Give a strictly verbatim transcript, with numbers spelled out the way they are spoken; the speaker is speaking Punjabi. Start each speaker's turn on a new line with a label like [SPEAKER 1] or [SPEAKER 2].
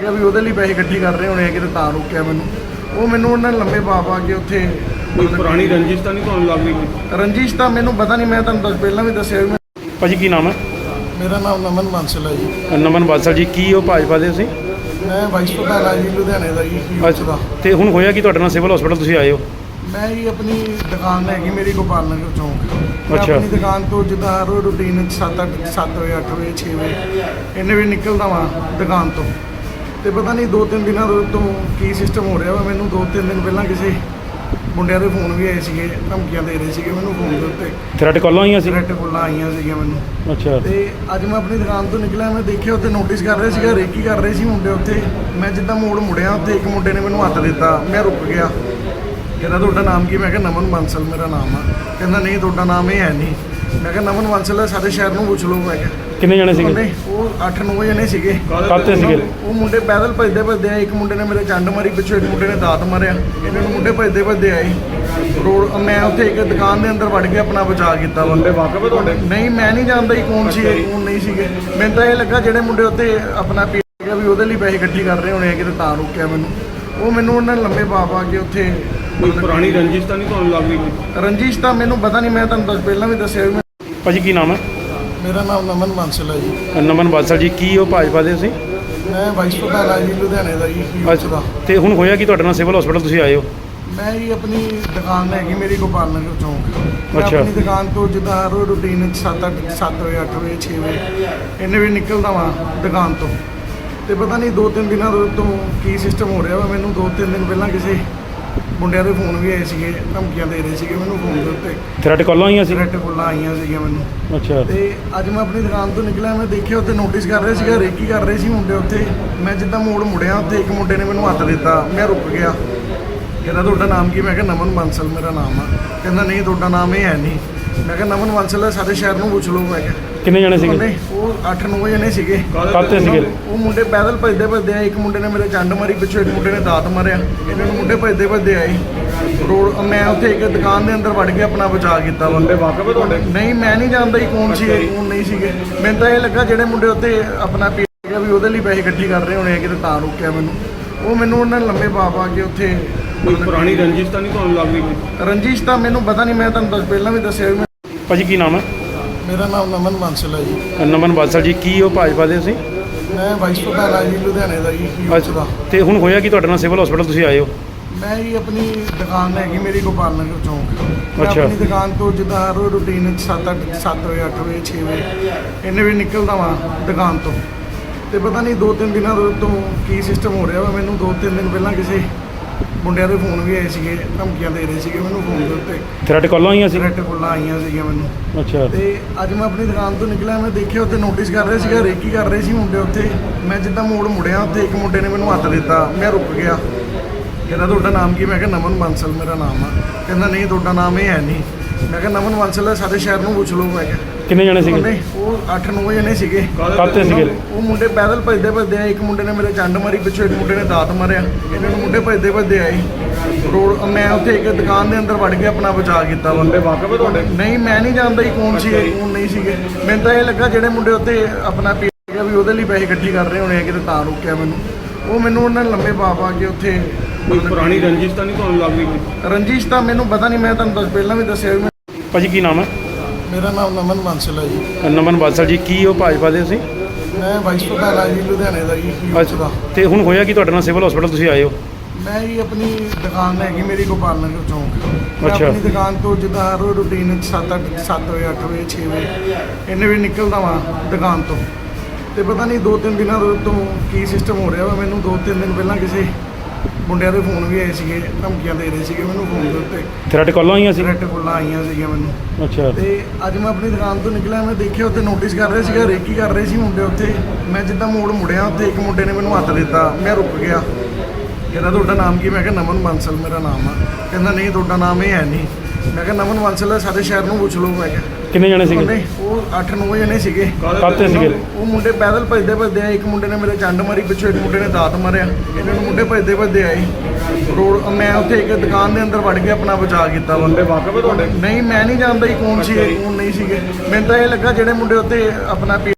[SPEAKER 1] ਵੀ ਉਹਦੇ ਲਈ ਪੈਸੇ ਇਕੱਠੇ ਕਰ ਰਹੇ ਹੋਣੇ ਆ ਕਿਤੇ ਤਾਂ ਰੋਕਿਆ ਮੈਨੂੰ। ਉਹ ਮੈਨੂੰ ਉਹਨਾਂ ਨੇ ਲੰਮੇ ਪਾ ਪਾ ਕੇ ਉੱਥੇ
[SPEAKER 2] ਕੋਈ ਪੁਰਾਣੀ ਰੰਜਿਸ਼ ਤਾਂ ਨਹੀਂ ਤੁਹਾਨੂੰ ਲੱਗ ਰਹੀ ਕੋਈ?
[SPEAKER 1] ਰੰਜਿਸ਼ ਤਾਂ ਮੈਨੂੰ ਪਤਾ ਨਹੀਂ, ਮੈਂ ਤੁਹਾਨੂੰ ਦੱਸ ਪਹਿਲਾਂ ਵੀ ਦੱਸਿਆ ਵੀ ਮੈਂ-
[SPEAKER 3] ਭਾਜੀ ਕੀ ਨਾਮ ਹੈ?
[SPEAKER 1] ਮੇਰਾ ਨਾਮ ਨਮਨ ਬਾਂਸਲ ਹੈ ਜੀ।
[SPEAKER 3] ਨਮਨ ਬਾਦਸ਼ਾਹ ਜੀ, ਕੀ ਉਹ ਭਾਜਪਾ ਦੇ ਸੀ?
[SPEAKER 1] ਮੈਂ ਵਾਈਸ ਪ੍ਰਧਾਨ ਆ ਜੀ ਲੁਧਿਆਣੇ ਦਾ ਜੀ ਯੂਥ ਦਾ।
[SPEAKER 3] ਤੇ ਹੁਣ ਹੋਇਆ ਕੀ ਤੁਹਾਡੇ ਨਾਲ ਸਿਵਲ ਹਸਪੀਟਲ ਤੁਸੀਂ ਆਏ ਹੋ?
[SPEAKER 1] ਮੈਂ ਜੀ ਆਪਣੀ ਦੁਕਾਨ ਹੈਗੀ ਮੇਰੀ ਗੋਪਾਲ ਨਗਰ ਚੌਂਕ। ਮੈਂ
[SPEAKER 3] ਅੱਛਾ।
[SPEAKER 1] ਆਪਣੀ ਦੁਕਾਨ ਤੋਂ ਜਿੱਦਾਂ ਹਰ ਰੋਜ਼ ਰੂਟੀਨ ਸੱਤ ਅੱਠ ਸੱਤ ਵਜੇ ਅੱਠ ਵਜੇ ਛੇ ਵਜੇ ਇੰਨੇ ਵਜੇ ਨਿਕਲਦਾ ਵਾਂ ਦੁਕਾਨ ਤੋਂ। ਤੇ ਪਤਾ ਨਹੀਂ ਦੋ ਤਿੰਨ ਦਿਨਾਂ ਤੋਂ ਕੀ ਸਿਸਟਮ ਹੋ ਰਿਹਾ ਵਾ। ਮੈਨੂੰ ਦੋ ਤਿੰਨ ਦਿਨ ਪਹਿਲਾਂ ਕਿਸੇ ਮੁੰਡਿਆਂ ਦੇ ਫੋਨ ਵੀ ਆਏ ਸੀਗੇ, ਧਮਕੀਆਂ ਦੇ ਰਹੇ ਸੀਗੇ ਮੈਨੂੰ ਫੋਨ ਦੇ ਉੱਤੇ,
[SPEAKER 3] ਥ੍ਰੈਟ ਕਾਲਾਂ ਆਈਆਂ ਸੀ?
[SPEAKER 1] ਥ੍ਰੈਟ ਕਾਲਾਂ ਆਈਆਂ ਸੀਗੀਆਂ ਮੈਨੂੰ।
[SPEAKER 3] ਅੱਛਾ।
[SPEAKER 1] ਤੇ ਅੱਜ ਮੈਂ ਆਪਣੀ ਦੁਕਾਨ ਤੋਂ ਨਿਕਲਿਆ, ਮੈਂ ਦੇਖਿਆ ਉੱਥੇ ਨੋਟਿਸ ਕਰ ਰਹੇ ਸੀਗਾ, ਰੇਕੀ ਕਰ ਰਹੇ ਸੀ ਮੁੰਡੇ ਉੱਥੇ। ਮੈਂ ਜਿੱਦਾਂ ਮੋੜ ਮੁੜਿਆ ਉੱਥੇ ਇੱਕ ਮੁੰਡੇ ਨੇ ਮੈਨੂੰ ਹੱਥ ਦਿੱਤਾ, ਮੈਂ ਰੁਕ ਗਿਆ। ਕਹਿੰਦਾ ਤੁਹਾਡਾ ਨਾਮ ਕੀ? ਮੈਂ ਕਿਹਾ ਨਮਨ ਬਾਂਸਲ ਮੇਰਾ ਨਾਮ ਆ। ਕਹਿੰਦਾ ਨਹੀਂ ਤੁਹਾਡਾ ਨਾਮ ਇਹ ਹੈ ਨਹੀਂ। ਮੈਂ ਕਿਹਾ ਨਮਨ ਬਾਂਸਲ ਹੈ, ਸਾਡੇ ਸ਼ਹਿਰ ਨੂੰ ਪੁੱਛ ਲਓ। ਮੈਂ ਕਿਹਾ
[SPEAKER 3] ਕਿੰਨੇ ਜਣੇ ਸੀਗੇ?
[SPEAKER 1] ਉਹਨੇ ਉਹ ਅੱਠ ਨੌ ਜਣੇ ਸੀਗੇ।
[SPEAKER 3] ਕਾਹਤੇ ਸੀਗੇ?
[SPEAKER 1] ਉਹ ਮੁੰਡੇ ਪੈਦਲ ਭੱਜਦੇ ਭੱਜਦੇ ਆਏ। ਇੱਕ ਮੁੰਡੇ ਨੇ ਮੇਰੇ ਚੰਡ ਮਾਰੀ ਪਿੱਛੋਂ, ਇੱਕ ਮੁੰਡੇ ਨੇ ਦਾਤ ਮਾਰਿਆ। ਇਹਨਾਂ ਨੂੰ ਮੁੰਡੇ ਭੱਜਦੇ ਭੱਜਦੇ ਆਏ ਰੋਡ। ਮੈਂ ਉੱਥੇ ਇੱਕ ਦੁਕਾਨ ਦੇ ਅੰਦਰ ਵੜ ਕੇ ਆਪਣਾ ਬਚਾਅ ਕੀਤਾ।
[SPEAKER 2] ਮੁੰਡੇ ਵਾਕਫ ਹੈ ਤੁਹਾਡੇ?
[SPEAKER 1] ਨਹੀਂ, ਮੈਂ ਨਹੀਂ ਜਾਣਦਾ ਹੀ ਕੌਣ ਸੀ ਕੌਣ ਨਹੀਂ ਸੀਗੇ। ਮੈਨੂੰ ਤਾਂ ਇਹ ਲੱਗਾ ਜਿਹੜੇ ਮੁੰਡੇ ਉੱਥੇ ਆਪਣਾ ਪੀ ਗਿਆ ਵੀ ਉਹਦੇ ਲਈ ਪੈਸੇ ਇਕੱਠੇ ਕਰ ਰਹੇ ਹੋਣੇ ਆ ਕਿਤੇ ਤਾਂ ਰੋਕਿਆ ਮੈਨੂੰ। ਉਹ ਮੈਨੂੰ ਉਹਨਾਂ ਨੇ ਲੰਮੇ ਪਾ ਪਾ ਕੇ ਉੱਥੇ
[SPEAKER 2] ਕੋਈ ਪੁਰਾਣੀ ਰੰਜਿਸ਼ ਤਾਂ ਨਹੀਂ ਤੁਹਾਨੂੰ ਲੱਗ ਰਹੀ ਕੋਈ?
[SPEAKER 1] ਰੰਜਿਸ਼ ਤਾਂ ਮੈਨੂੰ ਪਤਾ ਨਹੀਂ, ਮੈਂ ਤੁਹਾਨੂੰ ਦੱਸ ਪਹਿਲਾਂ ਵੀ ਦੱਸਿਆ ਵੀ ਮੈਂ-
[SPEAKER 3] ਭਾਜੀ ਕੀ ਨਾਮ ਹੈ?
[SPEAKER 1] ਮੇਰਾ ਨਾਮ ਨਮਨ ਬਾਂਸਲ ਹੈ ਜੀ।
[SPEAKER 3] ਨਮਨ ਬਾਦਸ਼ਾਹ ਜੀ, ਕੀ ਉਹ ਭਾਜਪਾ ਦੇ ਸੀ?
[SPEAKER 1] ਮੈਂ ਵਾਈਸ ਪ੍ਰਧਾਨ ਆ ਜੀ ਲੁਧਿਆਣੇ ਦਾ ਜੀ ਯੂਥ ਦਾ।
[SPEAKER 3] ਤੇ ਹੁਣ ਹੋਇਆ ਕੀ ਤੁਹਾਡੇ ਨਾਲ ਸਿਵਲ ਹਸਪੀਟਲ ਤੁਸੀਂ ਆਏ ਹੋ?
[SPEAKER 1] ਮੈਂ ਜੀ ਆਪਣੀ ਦੁਕਾਨ ਹੈਗੀ ਮੇਰੀ ਗੋਪਾਲ ਨਗਰ ਚੌਂਕ। ਮੈਂ
[SPEAKER 3] ਅੱਛਾ।
[SPEAKER 1] ਆਪਣੀ ਦੁਕਾਨ ਤੋਂ ਜਿੱਦਾਂ ਹਰ ਰੋਜ਼ ਰੂਟੀਨ ਸੱਤ ਅੱਠ ਸੱਤ ਵਜੇ ਅੱਠ ਵਜੇ ਛੇ ਵਜੇ ਇੰਨੇ ਵਜੇ ਨਿਕਲਦਾ ਵਾਂ ਦੁਕਾਨ ਤੋਂ। ਤੇ ਪਤਾ ਨਹੀਂ ਦੋ ਤਿੰਨ ਦਿਨਾਂ ਤੋਂ ਕੀ ਸਿਸਟਮ ਹੋ ਰਿਹਾ ਵਾ। ਮੈਨੂੰ ਦੋ ਤਿੰਨ ਦਿਨ ਪਹਿਲਾਂ ਕਿਸੇ ਮੁੰਡਿਆਂ ਦੇ ਫੋਨ ਵੀ ਆਏ ਸੀਗੇ, ਧਮਕੀਆਂ ਦੇ ਰਹੇ ਸੀਗੇ ਮੈਨੂੰ ਫੋਨ ਦੇ ਉੱਤੇ,
[SPEAKER 3] ਥ੍ਰੈਟ ਕਾਲਾਂ ਆਈਆਂ ਸੀ?
[SPEAKER 1] ਥ੍ਰੈਟ ਕਾਲਾਂ ਆਈਆਂ ਸੀਗੀਆਂ ਮੈਨੂੰ।
[SPEAKER 3] ਅੱਛਾ।
[SPEAKER 1] ਤੇ ਅੱਜ ਮੈਂ ਆਪਣੀ ਦੁਕਾਨ ਤੋਂ ਨਿਕਲਿਆ, ਮੈਂ ਦੇਖਿਆ ਉੱਥੇ ਨੋਟਿਸ ਕਰ ਰਹੇ ਸੀਗਾ, ਰੇਕੀ ਕਰ ਰਹੇ ਸੀ ਮੁੰਡੇ ਉੱਥੇ। ਮੈਂ ਜਿੱਦਾਂ ਮੋੜ ਮੁੜਿਆ ਉੱਥੇ ਇੱਕ ਮੁੰਡੇ ਨੇ ਮੈਨੂੰ ਹੱਥ ਦਿੱਤਾ, ਮੈਂ ਰੁਕ ਗਿਆ। ਕਹਿੰਦਾ ਤੁਹਾਡਾ ਨਾਮ ਕੀ? ਮੈਂ ਕਿਹਾ ਨਮਨ ਬਾਂਸਲ ਮੇਰਾ ਨਾਮ ਆ। ਕਹਿੰਦਾ ਨਹੀਂ ਤੁਹਾਡਾ ਨਾਮ ਇਹ ਹੈ ਨਹੀਂ। ਮੈਂ ਕਿਹਾ ਨਮਨ ਬਾਂਸਲ ਹੈ, ਸਾਡੇ ਸ਼ਹਿਰ ਨੂੰ ਪੁੱਛ ਲਓ। ਮੈਂ ਕਿਹਾ
[SPEAKER 3] ਕਿੰਨੇ ਜਣੇ ਸੀਗੇ?
[SPEAKER 1] ਉਹਨੇ ਉਹ ਅੱਠ ਨੌ ਜਣੇ ਸੀਗੇ।
[SPEAKER 3] ਕਾਹਤੇ ਸੀਗੇ?
[SPEAKER 1] ਉਹ ਮੁੰਡੇ ਪੈਦਲ ਭੱਜਦੇ ਭੱਜਦੇ ਆਏ। ਇੱਕ ਮੁੰਡੇ ਨੇ ਮੇਰੇ ਚੰਡ ਮਾਰੀ ਪਿੱਛੋਂ, ਇੱਕ ਮੁੰਡੇ ਨੇ ਦਾਤ ਮਾਰਿਆ। ਇਹਨਾਂ ਨੂੰ ਮੁੰਡੇ ਭੱਜਦੇ ਭੱਜਦੇ ਆਏ ਰੋਡ। ਮੈਂ ਉੱਥੇ ਇੱਕ ਦੁਕਾਨ ਦੇ ਅੰਦਰ ਵੜ ਕੇ ਆਪਣਾ ਬਚਾਅ ਕੀਤਾ।
[SPEAKER 2] ਮੁੰਡੇ ਵਾਕਫ ਹੈ ਤੁਹਾਡੇ?
[SPEAKER 1] ਨਹੀਂ, ਮੈਂ ਨਹੀਂ ਜਾਣਦਾ ਹੀ ਕੌਣ ਸੀ ਕੌਣ ਨਹੀਂ ਸੀਗੇ। ਮੈਨੂੰ ਤਾਂ ਇਹ ਲੱਗਾ ਜਿਹੜੇ ਮੁੰਡੇ ਉੱਥੇ ਆਪਣਾ ਪੀ ਗਿਆ ਵੀ ਉਹਦੇ ਲਈ ਪੈਸੇ ਇਕੱਠੇ ਕਰ ਰਹੇ ਹੋਣੇ ਆ ਕਿਤੇ ਤਾਂ ਰੋਕਿਆ ਮੈਨੂੰ। ਉਹ ਮੈਨੂੰ ਉਹਨਾਂ ਨੇ ਲੰਮੇ ਪਾ ਪਾ ਕੇ ਉੱਥੇ
[SPEAKER 2] ਕੋਈ ਪੁਰਾਣੀ ਰੰਜਿਸ਼ ਤਾਂ ਨਹੀਂ ਤੁਹਾਨੂੰ ਲੱਗ ਰਹੀ ਕੋਈ?
[SPEAKER 1] ਰੰਜਿਸ਼ ਤਾਂ ਮੈਨੂੰ ਪਤਾ ਨਹੀਂ, ਮੈਂ ਤੁਹਾਨੂੰ ਦੱਸ ਪਹਿਲਾਂ ਵੀ ਦੱਸਿਆ ਵੀ ਮੈਂ-
[SPEAKER 3] ਭਾਜੀ ਕੀ ਨਾਮ ਹੈ?
[SPEAKER 1] ਮੇਰਾ ਨਾਮ ਨਮਨ ਬਾਂਸਲ ਹੈ ਜੀ।
[SPEAKER 3] ਨਮਨ ਬਾਦਸ਼ਾਹ ਜੀ, ਕੀ ਉਹ ਭਾਜਪਾ ਦੇ ਸੀ?
[SPEAKER 1] ਮੈਂ ਵਾਈਸ ਪ੍ਰਧਾਨ ਆ ਜੀ ਲੁਧਿਆਣੇ ਦਾ ਜੀ ਯੂਥ ਦਾ।
[SPEAKER 3] ਤੇ ਹੁਣ ਹੋਇਆ ਕੀ ਤੁਹਾਡੇ ਨਾਲ ਸਿਵਲ ਹਸਪੀਟਲ ਤੁਸੀਂ ਆਏ ਹੋ?
[SPEAKER 1] ਮੈਂ ਜੀ ਆਪਣੀ ਦੁਕਾਨ ਹੈਗੀ ਮੇਰੀ ਗੋਪਾਲ ਨਗਰ ਚੌਂਕ। ਮੈਂ
[SPEAKER 3] ਅੱਛਾ।
[SPEAKER 1] ਆਪਣੀ ਦੁਕਾਨ ਤੋਂ ਜਿੱਦਾਂ ਹਰ ਰੋਜ਼ ਰੂਟੀਨ ਸੱਤ ਅੱਠ ਸੱਤ ਵਜੇ ਅੱਠ ਵਜੇ ਛੇ ਵਜੇ ਇੰਨੇ ਵਜੇ ਨਿਕਲਦਾ ਵਾਂ ਦੁਕਾਨ ਤੋਂ। ਤੇ ਪਤਾ ਨਹੀਂ ਦੋ ਤਿੰਨ ਦਿਨਾਂ ਤੋਂ ਕੀ ਸਿਸਟਮ ਹੋ ਰਿਹਾ ਵਾ। ਮੈਨੂੰ ਦੋ ਤਿੰਨ ਦਿਨ ਪਹਿਲਾਂ ਕਿਸੇ ਮੁੰਡਿਆਂ ਦੇ ਫੋਨ ਵੀ ਆਏ ਸੀਗੇ, ਧਮਕੀਆਂ ਦੇ ਰਹੇ ਸੀਗੇ ਮੈਨੂੰ ਫੋਨ ਦੇ ਉੱਤੇ,
[SPEAKER 3] ਥ੍ਰੈਟ ਕਾਲਾਂ ਆਈਆਂ ਸੀ?
[SPEAKER 1] ਥ੍ਰੈਟ ਕਾਲਾਂ ਆਈਆਂ ਸੀਗੀਆਂ ਮੈਨੂੰ।
[SPEAKER 3] ਅੱਛਾ।
[SPEAKER 1] ਤੇ ਅੱਜ ਮੈਂ ਆਪਣੀ ਦੁਕਾਨ ਤੋਂ ਨਿਕਲਿਆ, ਮੈਂ ਦੇਖਿਆ ਉੱਥੇ ਨੋਟਿਸ ਕਰ ਰਹੇ ਸੀਗਾ, ਰੇਕੀ ਕਰ ਰਹੇ ਸੀ ਮੁੰਡੇ ਉੱਥੇ। ਮੈਂ ਜਿੱਦਾਂ ਮੋੜ ਮੁੜਿਆ ਉੱਥੇ ਇੱਕ ਮੁੰਡੇ ਨੇ ਮੈਨੂੰ ਹੱਥ ਦਿੱਤਾ, ਮੈਂ ਰੁਕ ਗਿਆ। ਕਹਿੰਦਾ ਤੁਹਾਡਾ ਨਾਮ ਕੀ? ਮੈਂ ਕਿਹਾ ਨਮਨ ਬਾਂਸਲ ਮੇਰਾ ਨਾਮ ਆ। ਕਹਿੰਦਾ ਨਹੀਂ ਤੁਹਾਡਾ ਨਾਮ ਇਹ ਹੈ ਨਹੀਂ। ਮੈਂ ਕਿਹਾ ਨਮਨ ਬਾਂਸਲ ਹੈ, ਸਾਡੇ ਸ਼ਹਿਰ ਨੂੰ ਪੁੱਛ ਲਓ। ਮੈਂ ਕਿਹਾ
[SPEAKER 3] ਕਿੰਨੇ ਜਣੇ ਸੀਗੇ?
[SPEAKER 1] ਉਹਨੇ ਉਹ ਅੱਠ ਨੌ ਜਣੇ ਸੀਗੇ।
[SPEAKER 3] ਕਾਹਤੇ ਸੀਗੇ?
[SPEAKER 1] ਉਹ ਮੁੰਡੇ ਪੈਦਲ ਭੱਜਦੇ ਭੱਜਦੇ ਆਏ। ਇੱਕ ਮੁੰਡੇ ਨੇ ਮੇਰੇ ਚੰਡ ਮਾਰੀ ਪਿੱਛੋਂ, ਇੱਕ ਮੁੰਡੇ ਨੇ ਦਾਤ ਮਾਰਿਆ। ਇਹਨਾਂ ਨੂੰ ਮੁੰਡੇ ਭੱਜਦੇ ਭੱਜਦੇ ਆਏ ਰੋਡ। ਮੈਂ ਉੱਥੇ ਇੱਕ ਦੁਕਾਨ ਦੇ ਅੰਦਰ ਵੜ ਕੇ ਆਪਣਾ ਬਚਾਅ ਕੀਤਾ।
[SPEAKER 2] ਮੁੰਡੇ ਵਾਕਫ ਹੈ ਤੁਹਾਡੇ?
[SPEAKER 1] ਨਹੀਂ, ਮੈਂ ਨਹੀਂ ਜਾਣਦਾ ਹੀ ਕੌਣ ਸੀ ਕੌਣ ਨਹੀਂ ਸੀਗੇ। ਮੈਨੂੰ ਤਾਂ ਇਹ ਲੱਗਾ ਜਿਹੜੇ ਮੁੰਡੇ ਉੱਥੇ ਆਪਣਾ ਪੀ ਗਿਆ ਵੀ ਉਹਦੇ ਲਈ ਪੈਸੇ ਇਕੱਠੇ ਕਰ ਰਹੇ ਹੋਣੇ ਆ ਕਿਤੇ ਤਾਂ ਰੋਕਿਆ ਮੈਨੂੰ। ਉਹ ਮੈਨੂੰ ਉਹਨਾਂ ਨੇ ਲੰਮੇ ਪਾ ਪਾ ਕੇ ਉੱਥੇ
[SPEAKER 2] ਕੋਈ ਪੁਰਾਣੀ ਰੰਜਿਸ਼ ਤਾਂ ਨਹੀਂ ਤੁਹਾਨੂੰ ਲੱਗ ਰਹੀ ਕੋਈ?
[SPEAKER 1] ਰੰਜਿਸ਼ ਤਾਂ ਮੈਨੂੰ ਪਤਾ ਨਹੀਂ, ਮੈਂ ਤੁਹਾਨੂੰ ਦੱਸ ਪਹਿਲਾਂ ਵੀ ਦੱਸਿਆ ਵੀ ਮੈਂ-
[SPEAKER 3] ਭਾਜੀ ਕੀ ਨਾਮ ਹੈ?
[SPEAKER 1] ਮੇਰਾ ਨਾਮ ਨਮਨ ਬਾਂਸਲ ਹੈ ਜੀ।
[SPEAKER 3] ਨਮਨ ਬਾਦਸ਼ਾਹ ਜੀ, ਕੀ ਉਹ ਭਾਜਪਾ ਦੇ ਸੀ?
[SPEAKER 1] ਮੈਂ ਵਾਈਸ ਪ੍ਰਧਾਨ ਆ ਜੀ ਲੁਧਿਆਣੇ ਦਾ ਜੀ ਯੂਥ ਦਾ।
[SPEAKER 3] ਤੇ ਹੁਣ ਹੋਇਆ ਕੀ ਤੁਹਾਡੇ ਨਾਲ ਸਿਵਲ ਹਸਪੀਟਲ ਤੁਸੀਂ ਆਏ ਹੋ?
[SPEAKER 1] ਮੈਂ ਜੀ ਆਪਣੀ ਦੁਕਾਨ ਹੈਗੀ ਮੇਰੀ ਗੋਪਾਲ ਨਗਰ ਚੌਂਕ। ਮੈਂ
[SPEAKER 3] ਅੱਛਾ।
[SPEAKER 1] ਆਪਣੀ ਦੁਕਾਨ ਤੋਂ ਜਿੱਦਾਂ ਹਰ ਰੋਜ਼ ਰੂਟੀਨ ਸੱਤ ਅੱਠ ਸੱਤ ਵਜੇ ਅੱਠ ਵਜੇ ਛੇ ਵਜੇ ਇੰਨੇ ਵਜੇ ਨਿਕਲਦਾ ਵਾਂ ਦੁਕਾਨ ਤੋਂ। ਤੇ ਪਤਾ ਨਹੀਂ ਦੋ ਤਿੰਨ ਦਿਨਾਂ ਤੋਂ ਕੀ ਸਿਸਟਮ ਹੋ ਰਿਹਾ ਵਾ। ਮੈਨੂੰ ਦੋ ਤਿੰਨ ਦਿਨ ਪਹਿਲਾਂ ਕਿਸੇ ਮੁੰਡਿਆਂ ਦੇ ਫੋਨ ਵੀ ਆਏ ਸੀਗੇ, ਧਮਕੀਆਂ ਦੇ ਰਹੇ ਸੀਗੇ ਮੈਨੂੰ ਫੋਨ ਦੇ ਉੱਤੇ,
[SPEAKER 3] ਥ੍ਰੈਟ ਕਾਲਾਂ ਆਈਆਂ ਸੀ?
[SPEAKER 1] ਥ੍ਰੈਟ ਕਾਲਾਂ ਆਈਆਂ ਸੀਗੀਆਂ ਮੈਨੂੰ।
[SPEAKER 3] ਅੱਛਾ।
[SPEAKER 1] ਤੇ ਅੱਜ ਮੈਂ ਆਪਣੀ ਦੁਕਾਨ ਤੋਂ ਨਿਕਲਿਆ, ਮੈਂ ਦੇਖਿਆ ਉੱਥੇ ਨੋਟਿਸ ਕਰ ਰਹੇ ਸੀਗਾ, ਰੇਕੀ ਕਰ ਰਹੇ ਸੀ ਮੁੰਡੇ ਉੱਥੇ। ਮੈਂ ਜਿੱਦਾਂ ਮੋੜ ਮੁੜਿਆ ਉੱਥੇ ਇੱਕ ਮੁੰਡੇ ਨੇ ਮੈਨੂੰ ਹੱਥ ਦਿੱਤਾ, ਮੈਂ ਰੁਕ ਗਿਆ। ਕਹਿੰਦਾ ਤੁਹਾਡਾ ਨਾਮ ਕੀ? ਮੈਂ ਕਿਹਾ ਨਮਨ ਬਾਂਸਲ ਮੇਰਾ ਨਾਮ ਆ। ਕਹਿੰਦਾ ਨਹੀਂ ਤੁਹਾਡਾ ਨਾਮ ਇਹ ਹੈ ਨਹੀਂ। ਮੈਂ ਕਿਹਾ ਨਮਨ ਬਾਂਸਲ ਹੈ, ਸਾਡੇ ਸ਼ਹਿਰ ਨੂੰ ਪੁੱਛ ਲਓ। ਮੈਂ ਕਿਹਾ
[SPEAKER 3] ਕਿੰਨੇ ਜਣੇ ਸੀਗੇ?
[SPEAKER 1] ਉਹਨੇ ਉਹ ਅੱਠ ਨੌ ਜਣੇ ਸੀਗੇ।
[SPEAKER 3] ਕਾਹਤੇ ਸੀਗੇ?
[SPEAKER 1] ਉਹ ਮੁੰਡੇ ਪੈਦਲ ਭੱਜਦੇ ਭੱਜਦੇ ਆਏ। ਇੱਕ ਮੁੰਡੇ ਨੇ ਮੇਰੇ ਚੰਡ ਮਾਰੀ ਪਿੱਛੋਂ, ਇੱਕ ਮੁੰਡੇ ਨੇ ਦਾਤ ਮਾਰਿਆ। ਇਹਨਾਂ ਨੂੰ ਮੁੰਡੇ ਭੱਜਦੇ ਭੱਜਦੇ ਆਏ ਰੋਡ। ਮੈਂ ਉੱਥੇ ਇੱਕ ਦੁਕਾਨ ਦੇ ਅੰਦਰ ਵੜ ਕੇ ਆਪਣਾ ਬਚਾਅ ਕੀਤਾ।
[SPEAKER 2] ਮੁੰਡੇ ਵਾਕਫ ਹੈ ਤੁਹਾਡੇ?
[SPEAKER 1] ਨਹੀਂ, ਮੈਂ ਨਹੀਂ ਜਾਣਦਾ ਹੀ ਕੌਣ ਸੀ ਕੌਣ ਨਹੀਂ ਸੀਗੇ। ਮੈਨੂੰ ਤਾਂ ਇਹ ਲੱਗਾ ਜਿਹੜੇ ਮੁੰਡੇ ਉੱਥੇ ਆਪਣਾ